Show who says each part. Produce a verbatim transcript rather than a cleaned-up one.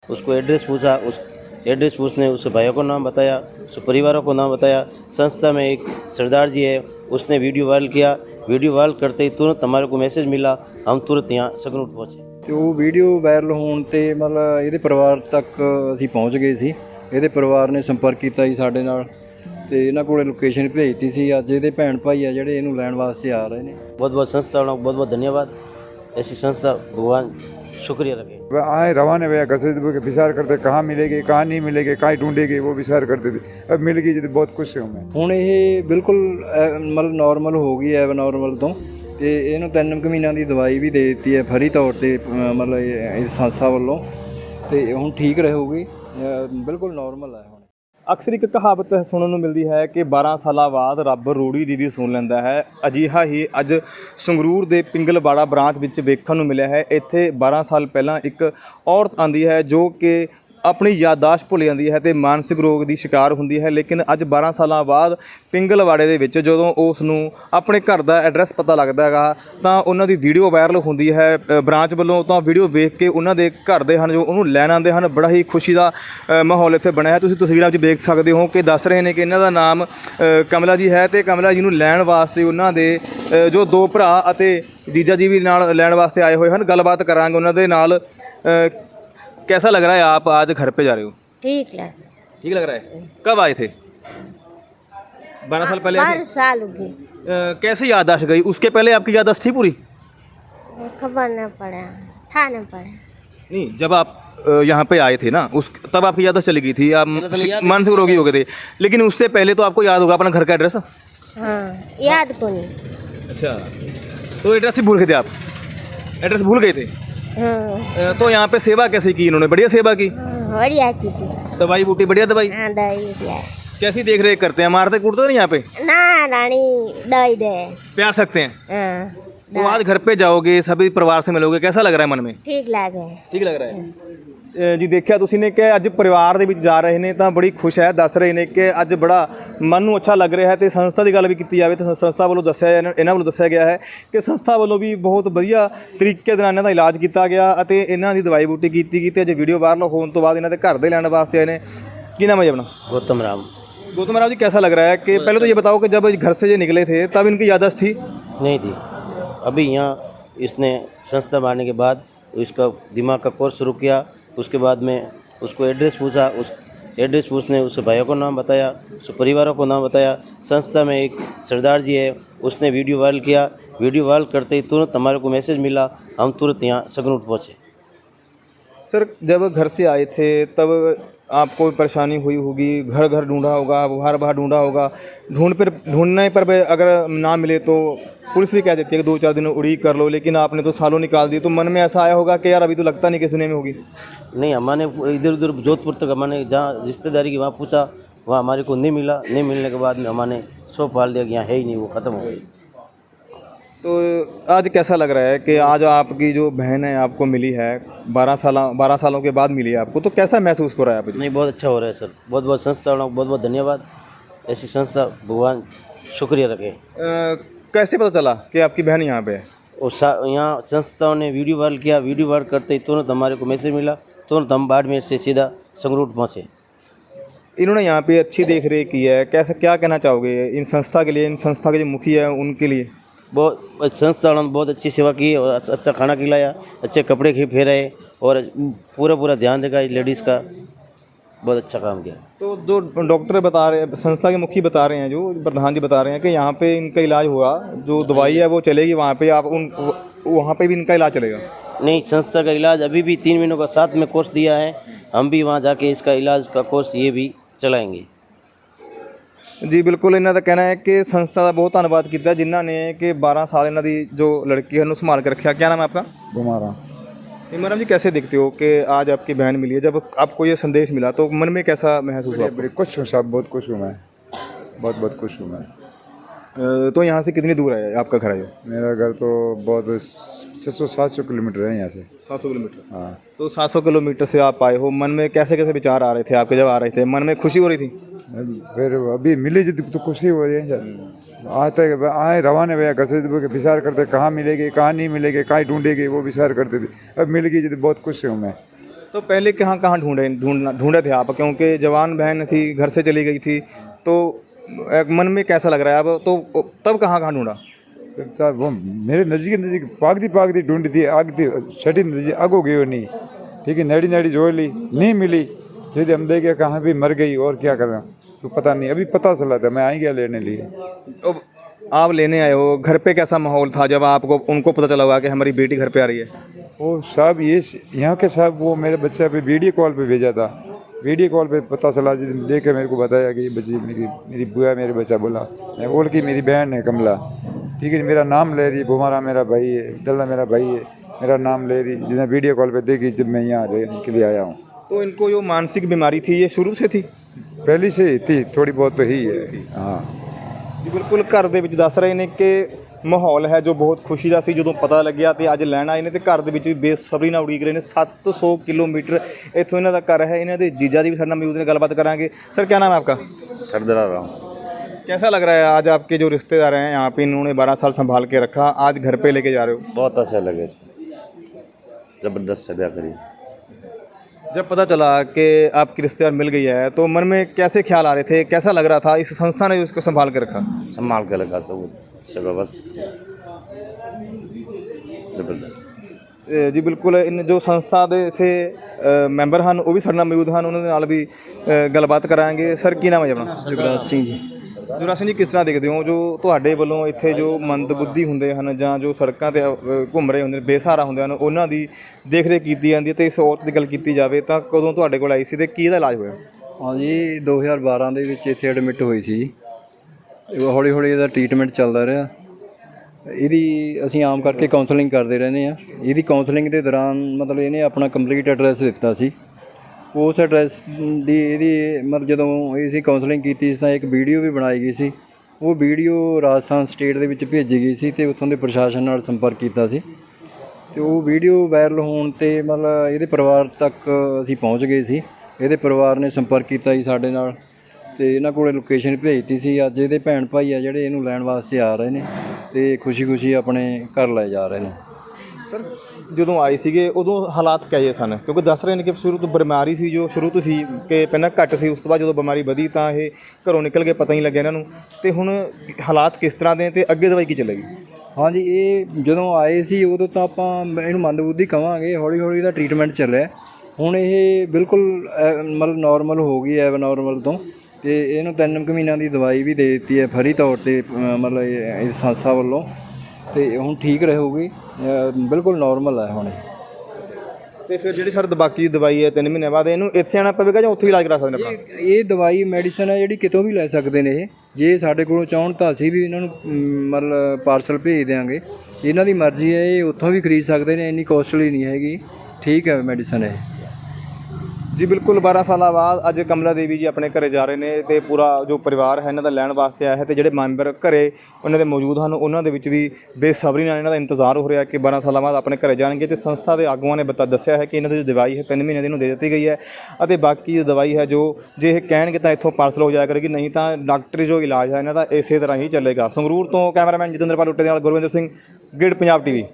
Speaker 1: उसको एड्रेस पूछा, उस एड्रेस पूछने उसके भाइयों को नाम बताया, उसके परिवारों को नाम बताया। संस्था में एक सरदार जी है, उसने वीडियो वायरल किया। वीडियो वायरल करते ही तुरंत हमारे को मैसेज मिला, हम तुरंत यहाँ संगरूर पहुँचे।
Speaker 2: ਤੇ ਉਹ ਵੀਡੀਓ ਵਾਇਰਲ ਹੋਣ 'ਤੇ ਮਤਲਬ ਇਹਦੇ ਪਰਿਵਾਰ ਤੱਕ ਅਸੀਂ ਪਹੁੰਚ ਗਏ ਸੀ। ਇਹਦੇ ਪਰਿਵਾਰ ਨੇ ਸੰਪਰਕ ਕੀਤਾ ਜੀ ਸਾਡੇ ਨਾਲ ਤੇ ਇਹਨਾਂ ਕੋਲੇ ਲੋਕੇਸ਼ਨ ਭੇਜਤੀ ਸੀ। ਅੱਜ ਇਹਦੇ ਭੈਣ ਭਾਈ ਆ ਜਿਹੜੇ ਇਹਨੂੰ ਲੈਣ ਵਾਸਤੇ आ रहे हैं।
Speaker 1: बहुत बहुत संस्था वालों को बहुत बहुत धन्यवाद। ऐसी संस्था भगवान शुक्रिया रखे।
Speaker 3: वह आए रवाना भैया घर से विचार करते कहाँ मिलेगी कहाँ नहीं मिलेगी कहाँ ढूंढेगी, वो विचार करते थे। अब मिल गई तो बहुत खुश हूँ मैं।
Speaker 2: ਹੁਣ ਇਹ ਬਿਲਕੁਲ ਐ- ਮਤਲਬ ਨਾਰਮਲ ਹੋ ਗਈ ਐਬ ਨਾਰਮਲ ਤੋਂ ਤੇ ਇਹਨੂੰ ਤਿੰਨ ਕੁ ਮਹੀਨਿਆਂ ਦੀ ਦਵਾਈ ਵੀ ਦੇ ਦਿੱਤੀ ਹੈ ਫਰੀ ਤੌਰ ਤੇ ਅ, ਮਤਲਬ ਇਹ- ਇਸ ਸੰਸਥਾ ਵੱਲੋਂ ਤੇ ਹੁਣ ਠੀਕ ਰਹੂਗੀ, ਅ, ਬਿਲਕੁਲ ਨਾਰਮਲ ਹੈ ਹੁਣ।
Speaker 4: ਅਕਸਰ ਇੱਕ ਕਹਾਵਤ ਸੁਣਨ ਨੂੰ ਮਿਲਦੀ ਹੈ ਕਿ ਬਾਰਾਂ ਸਾਲਾਂ ਬਾਅਦ ਰੱਬ ਰੂੜੀ ਦੀ ਵੀ ਸੁਣ ਲੈਂਦਾ ਹੈ। ਅਜਿਹਾ ਹੀ ਅੱਜ ਸੰਗਰੂਰ ਦੇ ਪਿੰਗਲਵਾੜਾ ਬ੍ਰਾਂਚ ਵਿੱਚ ਵੇਖਣ ਨੂੰ ਮਿਲਿਆ ਹੈ। ਇੱਥੇ ਬਾਰਾਂ ਸਾਲ ਪਹਿਲਾਂ ਇੱਕ ਔਰਤ ਆਂਦੀ ਹੈ ਜੋ ਕਿ ਆਪਣੀ ਯਾਦਾਸ਼ਤ ਭੁੱਲ ਜਾਂਦੀ ਹੈ ਤੇ ਮਾਨਸਿਕ ਰੋਗ ਦੀ ਸ਼ਿਕਾਰ ਹੁੰਦੀ ਹੈ। ਲੇਕਿਨ ਅੱਜ ਬਾਰਾਂ ਸਾਲਾਂ ਬਾਅਦ ਪਿੰਗਲਵਾੜੇ ਦੇ ਵਿੱਚ ਜਦੋਂ ਉਸ ਨੂੰ ਆਪਣੇ ਘਰ ਦਾ ਐਡਰੈਸ ਪਤਾ ਲੱਗਦਾ ਹੈਗਾ ਤਾਂ ਉਹਨਾਂ ਦੀ ਵੀਡੀਓ ਵਾਇਰਲ ਹੁੰਦੀ ਹੈ ਅ, ਬ੍ਰਾਂਚ ਵੱਲੋਂ। ਤਾਂ ਵੀਡੀਓ ਵੇਖ ਕੇ ਉਹਨਾਂ ਦੇ ਘਰ ਦੇ ਹਨ ਜੋ ਉਹਨੂੰ ਲੈਣ ਆਉਂਦੇ ਹਨ। ਬੜਾ ਹੀ ਖੁਸ਼ੀ ਦਾ ਅ, ਮਾਹੌਲ ਇੱਥੇ ਬਣਿਆ ਹੈ। ਤੁਸੀਂ ਤਸਵੀਰਾਂ ਵਿੱਚ ਵੇਖ ਸਕਦੇ ਹੋ ਕਿ ਦੱਸ ਰਹੇ ਨੇ ਕਿ ਇਹਨਾਂ ਦਾ ਨਾਮ ਅ, ਕਮਲਾ ਜੀ ਹੈ ਤੇ ਕਮਲਾ ਜੀ ਨੂੰ ਲੈਣ ਵਾਸਤੇ ਉਹਨਾਂ ਦੇ ਅ, ਜੋ ਦੋ ਭਰਾ ਅਤੇ ਜੀਜਾ ਜੀ ਵੀ ਨਾਲ ਲੈਣ ਵਾਸਤੇ ਆਏ ਹੋਏ ਹਨ। ਗੱਲਬਾਤ ਕਰਾਂਗੇ ਉਹਨਾਂ ਦੇ ਨਾਲ। ਅ, कैसा लग रहा है आप आज घर पे जा रहे हो?
Speaker 5: ठीक लग
Speaker 4: ठीक लग रहा है। कब आए थे? बारह साल पहले आए
Speaker 5: बारह
Speaker 4: थे।
Speaker 5: साल हो गए।
Speaker 4: अ, कैसे याददाश्त गई? उसके पहले आपकी याददाश्त थी पूरी?
Speaker 5: खबर न पड़ा, ठाना पड़ा।
Speaker 4: नहीं, जब आप अ, यहाँ पे आए थे ना उस तब आपकी याददाश्त चली गई थी, आप मानसिक रोगी हो गए थे। लेकिन उससे पहले तो आपको याद होगा अपना घर का एड्रेस?
Speaker 5: हाँ, याद को नहीं।
Speaker 4: अच्छा, तो एड्रेस ही भूल गए थे आप? एड्रेस भूल गए थे?
Speaker 5: हाँ,
Speaker 4: अ, तो यहाँ पे सेवा कैसे की इन्होंने? बढ़िया सेवा की?
Speaker 5: हाँ, बढ़िया की थी।
Speaker 4: दवाई बूटी बढ़िया दवाई?
Speaker 5: हाँ, दवाई दिया।
Speaker 4: कैसी देख रेख करते हैं? मारते कूटते नहीं यहाँ पे?
Speaker 5: ना रानी दवाई दे।
Speaker 4: प्यार सकते हैं?
Speaker 5: हाँ,
Speaker 4: तो आज घर पे जाओगे, सभी परिवार से मिलोगे, कैसा लग रहा है मन में?
Speaker 5: ठीक लगे।
Speaker 4: ਠੀਕ ਲੱਗ ਰਿਹਾ ਹੈ। ਅ, ਜੀ ਦੇਖਿਆ ਤੁਸੀਂ ਨੇ ਕਿ ਅੱਜ ਪਰਿਵਾਰ ਦੇ ਵਿੱਚ ਜਾ ਰਹੇ ਨੇ ਤਾਂ ਬੜੀ ਖੁਸ਼ ਹੈ। ਦੱਸ ਰਹੇ ਨੇ ਕਿ ਅੱਜ ਬੜਾ ਮਨ ਨੂੰ ਅੱਛਾ ਲੱਗ ਰਿਹਾ ਹੈ। ਤੇ ਸੰਸਥਾ ਦੀ ਗੱਲ ਵੀ ਕੀਤੀ ਜਾਵੇ ਤਾਂ ਸੰਸਥਾ ਵੱਲੋਂ ਦੱਸਿਆ ਇਹਨਾਂ ਇਹਨਾਂ ਵੱਲੋਂ ਦੱਸਿਆ ਗਿਆ ਹੈ ਕਿ ਸੰਸਥਾ ਵੱਲੋਂ ਵੀ ਬਹੁਤ ਵਧੀਆ ਤਰੀਕੇ ਦੇ ਨਾਲ ਇਹਨਾਂ ਦਾ ਇਲਾਜ ਕੀਤਾ ਗਿਆ ਅਤੇ ਇਹਨਾਂ ਦੀ ਦਵਾਈ ਬੂਟੀ ਕੀਤੀ ਗਈ। ਤੇ ਅੱਜ ਵੀਡੀਓ ਵਾਇਰਲ ਹੋਣ ਤੋਂ ਬਾਅਦ ਇਹਨਾਂ ਦੇ ਘਰ ਦੇ ਲੈਣ ਵਾਸਤੇ ਆਏ ਨੇ। ਕੀ ਨਾਮ ਹੈ ਜੀ ਆਪਣਾ?
Speaker 1: गौतम राम।
Speaker 4: गौतम राव जी, कैसा लग रहा है कि पहले तो ये बताओ कि जब घर से ये निकले थे तब इनकी याददाश्त थी?
Speaker 1: नहीं थी। अभी यहाँ इसने संस्था मारने के बाद इसका दिमाग का कोर्स शुरू किया। उसके बाद में उसको एड्रेस पूछा, उस एड्रेस पूछने उसके भाइयों को नाम बताया, उसके परिवारों को नाम बताया। संस्था में एक सरदार जी है, उसने वीडियो वायरल किया। वीडियो वायरल करते ही तुरंत हमारे को मैसेज मिला, हम तुरंत यहाँ संगरूर पहुँचे।
Speaker 4: सर, जब घर से आए थे तब आपको परेशानी हुई होगी, घर घर ढूंढा होगा, बाहर बाहर ढूंढा होगा। ढूंढ पर ढूंढने पर भी अगर ना मिले तो पुलिस भी कह देती है कि दो चार दिन उड़ीक कर लो, लेकिन आपने तो सालों निकाल दिए। तो मन में ऐसा आया होगा कि यार अभी तो लगता नहीं कि दुनिया में होगी।
Speaker 1: नहीं, हमारे इधर उधर जोधपुर तक हमारे जहाँ रिश्तेदारी की वहाँ पूछा, वहाँ हमारे को नहीं मिला। नहीं मिलने के बाद में हमारे सौ पाल दिया कि यहाँ है ही नहीं, वो ख़त्म हो गई।
Speaker 4: तो आज कैसा लग रहा है कि आज आपकी जो बहन है आपको मिली है, बारह साल बारह सालों के बाद मिली है आपको, तो कैसा महसूस हो रहा है आपको?
Speaker 1: नहीं, बहुत अच्छा हो रहा है सर। बहुत बहुत संस्था वालों को बहुत बहुत धन्यवाद। ऐसी संस्था भगवान शुक्रिया रखे।
Speaker 4: अ, कैसे पता चला कि आपकी बहन यहाँ पे है?
Speaker 1: और सा- यहाँ संस्थाओं ने वीडियो वायरल किया। वीडियो वायरल करते ही तुरंत हमारे को मैसेज मिला, तुरंत हम बाड़मेर से सीधा संगरूर पहुँचे।
Speaker 4: इन्होंने यहाँ पे अच्छी देख रेख की है, कैसे क्या कहना चाहोगे इन संस्था के लिए, इन संस्था के जो मुखिया है उनके लिए?
Speaker 1: बहुत संस्था वालों ने बहुत अच्छी सेवा की और अच्छा अच्छा खाना खिलाया, अच्छे कपड़े खी फेराए और पूरा पूरा ध्यान देगा लेडीज़ का। बहुत अच्छा काम किया।
Speaker 4: तो जो डॉक्टर बता रहे हैं, संस्था के मुखी बता रहे हैं, जो प्रधान जी बता रहे हैं कि यहाँ पे इनका इलाज हुआ, जो दवाई है वो चलेगी वहाँ पे, आप उन वहाँ पे भी इनका इलाज चलेगा?
Speaker 1: नहीं, संस्था का इलाज अभी भी तीन महीनों का साथ में कोर्स दिया है। हम भी वहाँ जाके इसका इलाज का कोर्स ये भी चलाएंगे।
Speaker 4: जी बिल्कुल, इन्हों का कहना है कि संस्था का बहुत धन्यवाद किया जिन्हों ने कि बारह साल इन्हों की जो लड़की है उन्होंने संभाल के रखा। क्या नाम है आपका?
Speaker 3: गुमारा।
Speaker 4: इमरान जी, कैसे देखते हो कि आज आपकी बहन मिली है, जब आपको ये संदेश मिला तो मन में कैसा महसूस हुआ?
Speaker 3: बड़ी खुश हूँ साहब, बहुत खुश हूँ मैं, बहुत बहुत खुश हूँ मैं।
Speaker 4: अ, तो यहाँ से कितनी दूर है आपका घर है?
Speaker 3: मेरा घर तो बहुत छः सौ सात सौ किलोमीटर है यहाँ से।
Speaker 4: सात सौ किलोमीटर।
Speaker 3: हाँ।
Speaker 4: तो सात सौ किलोमीटर से आप आए हो, मन में कैसे कैसे विचार आ रहे थे आपके जब आ रहे थे? मन में खुशी हो रही थी?
Speaker 3: फिर अभी मिली जी तो खुशी हो रही है सर। आज तक आए रवाना भैया घर से विचार करते कहाँ मिलेगी कहाँ नहीं मिलेगी कहाँ ढूंढेगी, वो विचार करते थे। अब मिल गई जी तो बहुत खुश हूँ मैं।
Speaker 4: तो पहले कहाँ कहाँ ढूंढे ढूंढना ढूंढे थे आप, क्योंकि जवान बहन थी, घर से चली गई थी, तो एक मन में कैसा लग रहा है अब, तो तब कहाँ कहाँ ढूंढा?
Speaker 3: साहब वो मेरे नज़दीक नज़दीक पागती पागती ढूंढी थी, आगती छठी नदी आगो गई वो नहीं, ठीक है, नेड़ी नेड़ी जोड़ ली, नहीं मिली, फिर हम देखे कहाँ भी मर गई, और क्या करें तो पता नहीं, अभी पता चला था, मैं आई गया लेने लिए।
Speaker 4: अब आप लेने आए हो, घर पे कैसा माहौल था जब आपको उनको पता चला हुआ कि हमारी बेटी घर पे आ रही है?
Speaker 3: वो साहब ये यहाँ के साहब वो मेरे बच्चे पे वीडियो कॉल पे भेजा था, वीडियो कॉल पे पता चला, देख के मेरे को बताया कि ये बच्ची मेरी मेरी बुआ मेरे बच्चा बोला, मैं बोल की मेरी बहन है कमला, ठीक है, मेरा नाम ले रही, बुमारा मेरा भाई है, दल्ला मेरा भाई है, मेरा नाम ले रही, जिन्हें वीडियो कॉल पे देखी जब मैं यहाँ रहने के लिए आया हूँ।
Speaker 4: तो इनको जो मानसिक बीमारी थी ये शुरू से थी?
Speaker 3: पहली से ही थी, थोड़ी बहुत तो ही है। हाँ
Speaker 4: ਜੀ ਬਿਲਕੁਲ ਘਰ ਦੇ ਵਿੱਚ ਦੱਸ ਰਹੇ ਨੇ ਕਿ ਮਾਹੌਲ ਹੈ ਜੋ ਬਹੁਤ ਖੁਸ਼ੀ ਦਾ ਸੀ ਜਦੋਂ ਪਤਾ ਲੱਗਿਆ ਤੇ ਅੱਜ ਲੈਣ ਆਏ ਨੇ ਤੇ ਘਰ ਦੇ ਵਿੱਚ ਵੀ ਬੇਸਬਰੀ ਨਾਲ ਉਡੀਕ ਰਹੇ ਨੇ। ਸੱਤ ਸੌ ਕਿਲੋਮੀਟਰ ਇੱਥੋਂ ਇਹਨਾਂ ਦਾ ਘਰ ਹੈ। ਇਹਨਾਂ ਦੇ ਜੀਜਾ ਦੀ ਵੀ ਸਾਡੇ ਨਾਲ ਮੌਜੂਦ ਨੇ, ਗੱਲਬਾਤ ਕਰਾਂਗੇ। सर क्या नाम है आपका?
Speaker 1: सरदरा राम।
Speaker 4: कैसा लग रहा है आज आपके जो रिश्तेदार हैं यहाँ पे, इन्होंने बारह साल संभाल के रखा, आज घर पे लेके जा रहे हो?
Speaker 1: बहुत अच्छा लगे इसमें, ज़बरदस्त सजा करी।
Speaker 4: जब पता चला कि आपकी रिश्तेदार मिल गई है तो मन में कैसे ख्याल आ रहे थे, कैसा लग रहा था इस संस्था ने उसको संभाल के रखा?
Speaker 1: संभाल के लगा सब सब व्यवस्थित ज़बरदस्त।
Speaker 4: ਅ, ਜੀ ਬਿਲਕੁਲ ਇਨ ਜੋ ਸੰਸਥਾ ਦੇ ਇੱਥੇ ਅ, ਮੈਂਬਰ ਹਨ ਉਹ ਵੀ ਸਾਡੇ ਨਾਲ ਮੌਜੂਦ ਹਨ, ਉਹਨਾਂ ਦੇ ਨਾਲ ਵੀ ਅ, ਗੱਲਬਾਤ ਕਰਾਂਗੇ। ਸਰ ਕੀ ਨਾਮ ਹੈ ਜੀ ਆਪਣਾ?
Speaker 2: ਜਗਰਾਜ ਸਿੰਘ ਜੀ।
Speaker 4: ਜੁਰਾ ਸਿੰਘ ਜੀ, ਕਿਸ ਤਰ੍ਹਾਂ ਦੇਖਦੇ ਹੋ ਜੋ ਤੁਹਾਡੇ ਵੱਲੋਂ ਇੱਥੇ ਜੋ ਮੰਦਬੁੱਧੀ ਹੁੰਦੇ ਹਨ ਜਾਂ ਜੋ ਸੜਕਾਂ ਤੇ ਅ, ਘੁੰਮ ਰਹੇ ਹੁੰਦੇ ਨੇ, ਬੇਸਹਾਰਾ ਹੁੰਦੇ ਹਨ, ਉਹਨਾਂ ਦੀ ਦੇਖ ਰੇਖ ਕੀਤੀ ਜਾਂਦੀ ਹੈ, ਤੇ ਇਸ ਔਰਤ ਦੀ ਗੱਲ ਕੀਤੀ ਜਾਵੇ ਤਾਂ ਕਦੋਂ ਤੁਹਾਡੇ ਕੋਲ ਆਈ ਸੀ ਤੇ ਕੀ ਇਹਦਾ ਇਲਾਜ ਹੋਇਆ?
Speaker 2: ਹਾਂਜੀ ਦੋ ਹਜ਼ਾਰ ਬਾਰਾਂ ਦੇ ਵਿੱਚ ਇੱਥੇ ਐਡਮਿਟ ਹੋਈ ਸੀ ਜੀ। ਹੌਲੀ ਹੌਲੀ ਇਹਦਾ ਟ੍ਰੀਟਮੈਂਟ ਚੱਲਦਾ ਰਿਹਾ। ਇਹਦੀ ਅਸੀਂ ਆਮ ਕਰਕੇ ਕਾਉਂਸਲਿੰਗ ਕਰਦੇ ਰਹਿੰਦੇ ਹਾਂ। ਇਹਦੀ ਕਾਉਂਸਲਿੰਗ ਦੇ ਦੌਰਾਨ ਮਤਲਬ ਇਹਨੇ ਆਪਣਾ ਕੰਪਲੀਟ ਐਡਰੈਸ ਦਿੱਤਾ ਸੀ। ਉਸ ਐਡਰੈਸ ਦੀ ਇਹਦੀ ਮਤਲਬ ਜਦੋਂ ਅਸੀਂ ਕਾਉਂਸਲਿੰਗ ਕੀਤੀ ਤਾਂ ਇੱਕ ਵੀਡੀਓ ਵੀ ਬਣਾਈ ਗਈ ਸੀ। ਉਹ ਵੀਡੀਓ ਰਾਜਸਥਾਨ ਸਟੇਟ ਦੇ ਵਿੱਚ ਭੇਜੀ ਗਈ ਸੀ ਅਤੇ ਉੱਥੋਂ ਦੇ ਪ੍ਰਸ਼ਾਸਨ ਨਾਲ ਸੰਪਰਕ ਕੀਤਾ ਸੀ ਅਤੇ ਉਹ ਵੀਡੀਓ ਵਾਇਰਲ ਹੋਣ 'ਤੇ ਮਤਲਬ ਇਹਦੇ ਪਰਿਵਾਰ ਤੱਕ ਅਸੀਂ ਪਹੁੰਚ ਗਏ ਸੀ। ਇਹਦੇ ਪਰਿਵਾਰ ਨੇ ਸੰਪਰਕ ਕੀਤਾ ਜੀ ਸਾਡੇ ਨਾਲ ਅਤੇ ਇਹਨਾਂ ਕੋਲ ਲੋਕੇਸ਼ਨ ਭੇਜਤੀ ਸੀ। ਅੱਜ ਇਹਦੇ ਭੈਣ ਭਾਈ ਆ ਜਿਹੜੇ ਇਹਨੂੰ ਲੈਣ ਵਾਸਤੇ ਆ ਰਹੇ ਨੇ ਅਤੇ ਖੁਸ਼ੀ ਖੁਸ਼ੀ ਆਪਣੇ ਘਰ ਲੈ ਜਾ ਰਹੇ ਨੇ।
Speaker 4: ਸਰ ਜਦੋਂ ਆਏ ਸੀਗੇ ਉਦੋਂ ਹਾਲਾਤ ਕਿਹੋ ਜਿਹੇ ਸਨ? ਕਿਉਂਕਿ ਦੱਸ ਰਹੇ ਨੇ ਕਿ ਸ਼ੁਰੂ ਤੋਂ ਬਿਮਾਰੀ ਸੀ ਜੋ ਸ਼ੁਰੂ ਤੋਂ ਸੀ ਕਿ ਪਹਿਲਾਂ ਘੱਟ ਸੀ, ਉਸ ਤੋਂ ਬਾਅਦ ਜਦੋਂ ਬਿਮਾਰੀ ਵਧੀ ਤਾਂ ਇਹ ਘਰੋਂ ਨਿਕਲ ਕੇ ਪਤਾ ਨਹੀਂ ਲੱਗਿਆ ਇਹਨਾਂ ਨੂੰ। ਅਤੇ ਹੁਣ ਹਾਲਾਤ ਕਿਸ ਤਰ੍ਹਾਂ ਦੇ ਅਤੇ ਅੱਗੇ ਦਵਾਈ ਕੀ ਚੱਲੇਗੀ?
Speaker 2: ਹਾਂਜੀ ਇਹ ਜਦੋਂ ਆਏ ਸੀ ਉਦੋਂ ਤਾਂ ਆਪਾਂ ਇਹਨੂੰ ਮੰਦਬੁੱਧੀ ਕਹਾਂਗੇ। ਹੌਲੀ ਹੌਲੀ ਦਾ ਟ੍ਰੀਟਮੈਂਟ ਚੱਲਿਆ। ਹੁਣ ਇਹ ਬਿਲਕੁਲ ਮਤਲਬ ਨੋਰਮਲ ਹੋ ਗਈ ਐਬ ਨੋਰਮਲ ਤੋਂ, ਅਤੇ ਇਹਨੂੰ ਤਿੰਨ ਕੁ ਮਹੀਨਿਆਂ ਦੀ ਦਵਾਈ ਵੀ ਦੇ ਦਿੱਤੀ ਹੈ ਫਰੀ ਤੌਰ 'ਤੇ ਮਤਲਬ ਇਸ ਸੰਸਥਾ ਵੱਲੋਂ, ਅਤੇ ਹੁਣ ਠੀਕ ਰਹੂਗੀ, ਬਿਲਕੁਲ ਨੋਰਮਲ ਹੈ ਹੁਣ।
Speaker 4: ਅਤੇ ਫਿਰ ਜਿਹੜੀ ਸਰ ਬਾਕੀ ਦਵਾਈ ਹੈ ਤਿੰਨ ਮਹੀਨੇ ਬਾਅਦ ਇਹਨੂੰ ਇੱਥੇ ਆਉਣਾ ਪਵੇਗਾ ਜਾਂ ਉੱਥੇ ਵੀ ਇਲਾਜ ਕਰਾ ਸਕਦੇ ਆਪਾਂ?
Speaker 2: ਇਹ ਦਵਾਈ ਮੈਡੀਸਨ ਹੈ ਜਿਹੜੀ ਕਿਤੋਂ ਵੀ ਲੈ ਸਕਦੇ ਨੇ ਇਹ, ਜੇ ਸਾਡੇ ਕੋਲੋਂ ਚਾਹੁਣ ਤਾਂ ਅਸੀਂ ਵੀ ਇਹਨਾਂ ਨੂੰ ਮਤਲਬ ਪਾਰਸਲ ਭੇਜ ਦਿਆਂਗੇ। ਇਹਨਾਂ ਦੀ ਮਰਜ਼ੀ ਹੈ, ਇਹ ਉੱਥੋਂ ਵੀ ਖਰੀਦ ਸਕਦੇ ਨੇ, ਇੰਨੀ ਕੋਸਟਲੀ ਨਹੀਂ ਹੈਗੀ, ਠੀਕ ਹੈ ਮੈਡੀਸਨ ਇਹ।
Speaker 4: ਜੀ ਬਿਲਕੁਲ ਬਾਰਾਂ ਸਾਲਾਂ ਬਾਅਦ ਅੱਜ ਕਮਲਾ ਦੇਵੀ ਜੀ ਆਪਣੇ ਘਰੇ ਜਾ ਰਹੇ ਨੇ ਅਤੇ ਪੂਰਾ ਜੋ ਪਰਿਵਾਰ ਹੈ ਇਹਨਾਂ ਦਾ ਲੈਣ ਵਾਸਤੇ ਆਇਆ ਹੈ, ਅਤੇ ਜਿਹੜੇ ਮੈਂਬਰ ਘਰੇ ਉਹਨਾਂ ਦੇ ਮੌਜੂਦ ਹਨ ਉਹਨਾਂ ਦੇ ਵਿੱਚ ਵੀ ਬੇਸਬਰੀ ਨਾਲ ਇਹਨਾਂ ਦਾ ਇੰਤਜ਼ਾਰ ਹੋ ਰਿਹਾ ਕਿ ਬਾਰਾਂ ਸਾਲਾਂ ਬਾਅਦ ਆਪਣੇ ਘਰੇ ਜਾਣਗੇ। ਅਤੇ ਸੰਸਥਾ ਦੇ ਆਗੂਆਂ ਨੇ ਬਤਾ ਦੱਸਿਆ ਹੈ ਕਿ ਇਹਨਾਂ ਦੀ ਜੋ ਦਵਾਈ ਹੈ ਤਿੰਨ ਮਹੀਨੇ ਦੀ ਇਹਨੂੰ ਦੇ ਦਿੱਤੀ ਗਈ ਹੈ, ਅਤੇ ਬਾਕੀ ਜੋ ਦਵਾਈ ਹੈ ਜੋ ਜੇ ਇਹ ਕਹਿਣਗੇ ਤਾਂ ਇੱਥੋਂ ਪਾਰਸਲ ਹੋ ਜਾਇਆ ਕਰੇਗੀ, ਨਹੀਂ ਤਾਂ ਡਾਕਟਰੀ ਜੋ ਇਲਾਜ ਹੈ ਇਹਨਾਂ ਦਾ ਇਸੇ ਤਰ੍ਹਾਂ ਹੀ ਚੱਲੇਗਾ। ਸੰਗਰੂਰ ਤੋਂ ਕੈਮਰਾਮੈਨ ਜਤਿੰਦਰਪਾਲ ਉੱਟੇ ਦੇ ਨਾਲ ਗੁਰਵਿੰਦਰ ਸਿੰਘ, ਗ੍ਰਿਡ ਪੰਜਾਬ ਟੀ ਵੀ।